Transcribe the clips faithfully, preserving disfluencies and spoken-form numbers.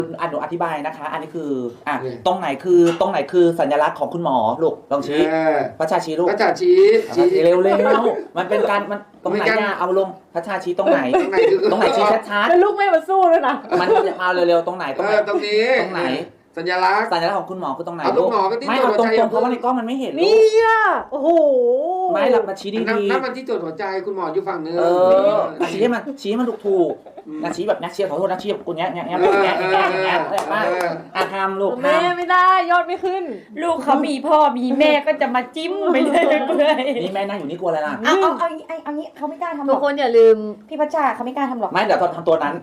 อ่ะหนูอธิบายนะคะ อันนี้คืออ่ะตรงไหนคือตรงไหนคือสัญลักษณ์ของคุณหมอลูกลองชี้พระชาชี้ลูกพระชาชี้ชี้เร็วเร็วมันเป็นการมันตรงไหนเนี่ยเอาลงพระชาชี้ตรงไหนตรงไหนคือตรงไหนชี้ชัดแล้วลูกไม่มาสู้ด้วยนะๆมันเอาเร็วๆตรงไหนตรงไหนตรงนี้ตรงไหนสัญลักษณ์สัญลักษณ์ของคุณหมอคือตรงไหนเอาตรงหมอก็ที่ไม่เอาตรงๆเพราะว่าในกล้องมันไม่เห็นลูนี่กอ่ะโอ้โหไม่หลับมาชี้นั่นดีนั่นมันที่ตรวจหัวใจคุณหมออยู่ฝั่งนึงๆเอออ่ะชี้ให้มันชี้ให้มันถูกถูกๆนะชี้แบบนักเชียร์ขอโทษนักเชียร์กูเนี้ยเนี้ยเนี้ยเนี้ยเนี้ยเนี้ยเนี้ยมาอ่ะทำลูกทแม่ไม่ได้ยอดไม่ขึ้นลูกเขามีพ่อมีแม่ก็จะมาจิ้มไปเลยเลยำนี่แม่นั่งอยู่นี่กลัวอะไรล่ะเอาเอาเอาเอาเอางี้เขาไม่กล้าทำหรทุอก กคนอย่าลืมพี่พัชชาเขาไม่กล้าทำหรอกไม่เดี๋ยวตอนทำตัวนั้น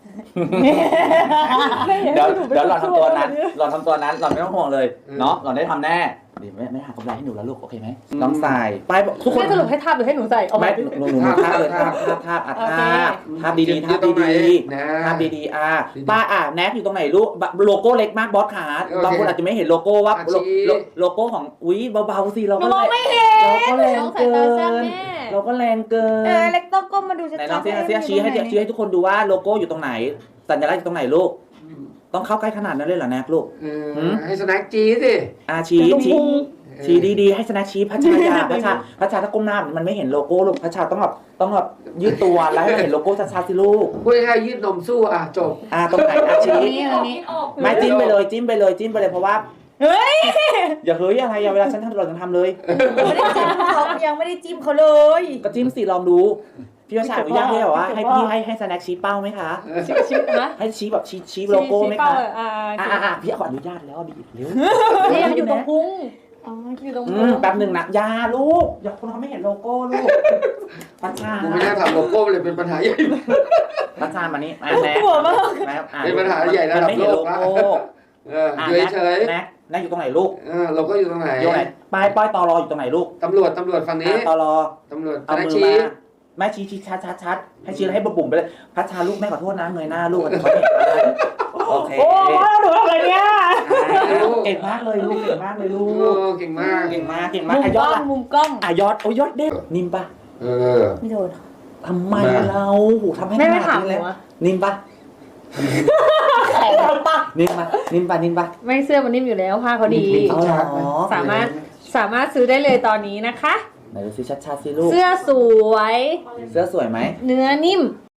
เดี๋ยวเดี๋ยวหล่อนทำตัวนั้นหล่อนทำตัวนั้นหล่อนไม่ต้องห่วงเลยเนาะหล่อนได้ทำแน่ดีไม่ไม่หากำไรให้หนูแล้วลูกโอเคไหมน้องสายไปทุกคนให้สรุปให้ทาบหรือให้หนูใส่เอาไม่ไม่หนูหนูภาพเลยภาพภาพภาพอ่ะภาพภาพดีๆภาพดีๆภาพดีๆอ่ะป้าอ่ะแนบอยู่ตรงไหนลูกโลโก้เล็กมากบอสขาบางคนอาจจะไม่เห็นโลโก้ว่าโลโก้ของอุ้ยเบาๆสิเราก็เราก็แรงต้องใส่เกิตาแซ่บนแม่เราก็แรงเกิเออน เล็กต้องก้มมาดูชัดไหนๆน้องเซียเซียชี้ให้ชี้ให้ทุกคนดูว่าโลโก้อยู่ตรงไหนสัญลักษณ์อยู่ตรงไหนลูกต้องเข้าใกล้ขนาดนั้นเลยเหรอแนกลูกให้สแน็คจี้สิอาชี้ชี้ชี้ดีๆให้สแน็คชี้พัชชายาพัชชาพัชชาถ้าก้มหน้ามันไม่เห็นโลโก้ลูกพัชชาต้องแบบต้องแบบยืดตัวแล้วให้เห็นโลโก้ชัดๆสิลูกพูดง่ายๆยืดนมสู้อ่ะจบอ่าตรงไหนอาชี้นี่อันนี้ไม่จิ้มไปเลยจิ้มไปเลยจิ้มไปเลยเพราะว่าเฮ้ยอย่าเฮ้ยอะไรอย่าเวลาฉันทำเราจะทำเลยไม่ได้จิ้มเขายังไม่ได้จิ้มเขาเลยก็จิ้มสิลองดูพี่พัชชาอนุญาตให้แบบว่าให้พี่ให้ให้สแน็คชี้เป้าไหมคะชิชินะให้ชี้แบบชี้ชี้โลโก้ไหมคะอ่าอ่าอ่าพี่ขออนุญาตแล้วบีบเร็วนี่มันอยู่ตรงพุงอยู่ตรงอืพุมงแป๊บหนึ่งนะอยาลูกอย่าคนเขาไม่เห็นโลโก้ลูกพัชชากูไม่ได้ทำโลโก้เลยเป็นปัญหาใหญ่พัชชามานี่อ่ะแน็กแน็กอ่ะเป็นปัญหาใหญ่ระดับมันไม่เห็นโลโลกละโก้เอออ่ะอยู่แน็กเฉยแน็กแน็กอยู่ตรงไหนลูกๆเออโลโก้อยู่ตรงไหนอยู่ไหนป้ายป้ายตอรออยู่ตรงไหนลูกตำรวจตำรวจฝั่งนี้อ่ะตอรอตำรวจเอาสแน็คมือชี้มาแม่ชี้ชี้ชัดชัดชัดให้ชี้ให้บุ๋มไปเลยพัชชาลูกแม่ขอโทษนะเงยหน้าลูกเขาเห็นอะไรโอเคโอ้หนูทำอะไรเนี่ยเก่งมากเลยลูกเก่งมากเลยลูโอ้กเก่งมากเก่งมากเก่งมุมากมอ่ะกยล้ออดงละมุมกล้องอ่ะยอดโอ้ยยอดเด็ดนิ่มปะเออไม่โดนทำไมเราโหทำให้แม่ไม่ขถานาดมนี้หนูเลยอะนิ่มปะแข็งปะนิ่มปะนิ่มปะนิ่มปะไม่เสื้อมันนิ่มอยู่แล้วผ้าเขาดีเอาเหรอสามารถสามารถซื้อได้เลยตอนนี้นะคะไหนดูสิชัดๆสิลูกเสื้อสวยเสื้อสวยไหมเนื้อนิ่ม